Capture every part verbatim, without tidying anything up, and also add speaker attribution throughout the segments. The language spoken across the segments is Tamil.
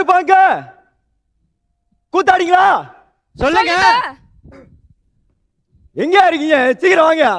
Speaker 1: யாருப்பாங்க கூத்தாடிங்களா?
Speaker 2: சொல்லுங்க.
Speaker 1: எங்க இருக்கீங்க? சீக்கிரம் வாங்க.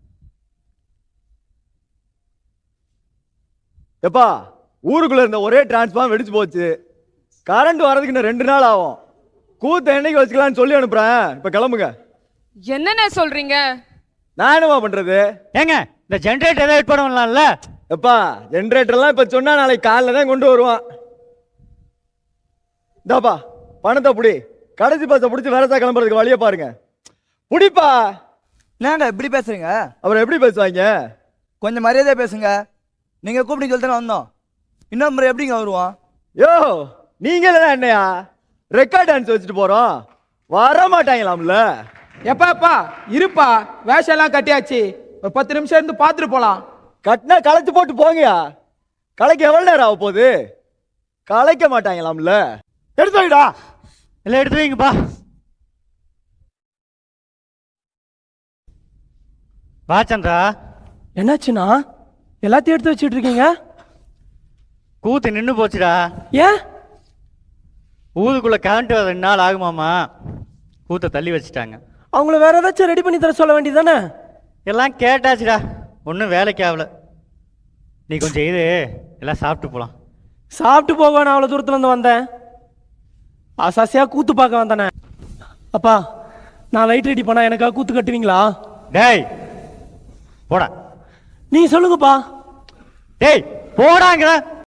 Speaker 1: எப்பா ஊருக்குள்ள இருந்த ஒரே டிரான்ஸ்பார்ம் வெடிச்சு போச்சு. கரண்ட் வர்றதுக்கு இன்னும் ரெண்டு நாள் ஆகும். கூத்த என்னைக்கு வச்சுக்கலாம்னு சொல்லி அனுப்புறேன். இப்ப கிளம்புங்க.
Speaker 3: என்னென்ன சொல்றீங்க?
Speaker 1: நான் என்னவா பண்றது?
Speaker 2: ஏங்க இந்த ஜெனரேட்டர் வெயிட் பண்ணலாம்ல?
Speaker 1: எப்பா ஜெனரேட்டர்லாம் இப்ப சொன்னா நாளைக்கு காலைல தான் கொண்டு வருவான். இந்தாப்பா பணத்தை புடி. கடைசி பஸ்ஸை பிடிச்சி வேறதா கிளம்புறதுக்கு வழியை பாருங்க. புடிப்பா.
Speaker 4: என்னங்க இப்படி பேசுறீங்க?
Speaker 1: அப்புறம் எப்படி பேசுவாங்க?
Speaker 4: கொஞ்சம் மரியாதையா பேசுங்க. நீங்க கூப்பிட்டு சொல்லிட்டு வந்தோம். இன்னும் முறை எப்படிங்க வருவான்?
Speaker 1: யோ நீங்க என்னையா ரெக்கார்ட் டான்ஸ் வச்சுட்டு போறோம். வர மாட்டாங்களாம்ல.
Speaker 5: எப்பா எப்பா இருப்பா, வேஷம் எல்லாம் கட்டியாச்சு. ஒரு பத்து நிமிஷம் இருந்து பார்த்துட்டு போலாம்.
Speaker 1: கட்டினா களைச்சு போட்டு போங்கயா. களைக்க எவ்வளவு நேரம் ஆக போகுது? களைக்க மாட்டாங்களாம்ல. எடுத்து வைடா.
Speaker 2: இல்லை எடுத்து வைங்கப்பா. வா சந்திரா.
Speaker 6: என்னாச்சுண்ணா எல்லாத்தையும் எடுத்து வச்சுட்டு இருக்கீங்க?
Speaker 2: கூத்து நின்று போச்சுடா.
Speaker 6: ஏன்?
Speaker 2: ஊருக்குள்ள கரண்ட் வர ரெண்டு நாள் ஆகுமாமா. கூத்தை தள்ளி வச்சுட்டாங்க.
Speaker 6: அவங்கள வேற ஏதாச்சும் ரெடி பண்ணி தர சொல்ல வேண்டியதானே?
Speaker 2: எல்லாம் கேட்டாச்சுடா, ஒன்றும் வேலைக்கு ஆகல. நீ கொஞ்சம் இது எல்லாம் சாப்பிட்டு போகலாம்.
Speaker 6: சாப்பிட்டு போக நான் அவ்வளோ தூரத்துல இருந்து வந்தேன். அசாசியா கூத்து பார்க்க வந்தானே. அப்பா நான் லைட் ரெடி பண்ணா எனக்காக கூத்து கட்டுவீங்களா?
Speaker 2: டேய் போடா.
Speaker 6: நீங்க சொல்லுங்கப்பா.
Speaker 2: டேய் போடாங்கிற.